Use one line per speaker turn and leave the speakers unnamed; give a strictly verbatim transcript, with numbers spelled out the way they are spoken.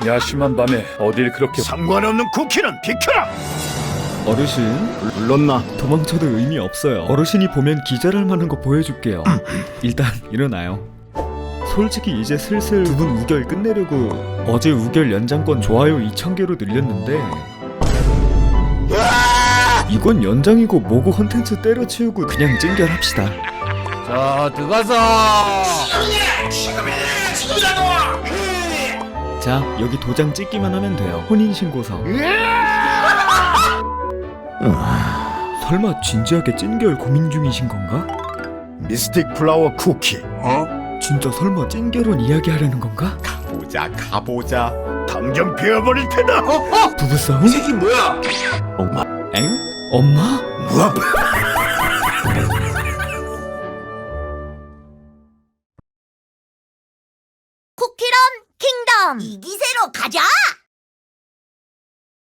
야심한 밤에 어딜 그렇게
상관없는 쿠키는 비켜라!
어르신,
불렀나?
도망쳐도 의미 없어요. 어르신이 보면 기절할 만한 거 보여줄게요. 일단 일어나요. 솔직히 이제 슬슬 두 분 우결 끝내려고 어제 우결 연장권 좋아요 이천 개로 늘렸는데 이건 연장이고 뭐고 컨텐츠 때려치우고 그냥 찡결합시다.
자, 들어가서.
자, 여기 도장 찍기만 하면 돼요. 혼인신고서. 설마 진지하게 찐결 고민 중이신 건가?
미스틱 플라워 쿠키.
진짜 설마 찐결혼 이야기하려는 건가?
가보자 가보자. 당장 베어버릴 테다.
부부싸움?
이 새끼 뭐야?
엥? 엄마?
뭐?
쿠키런 킹덤 이 기세로 가자!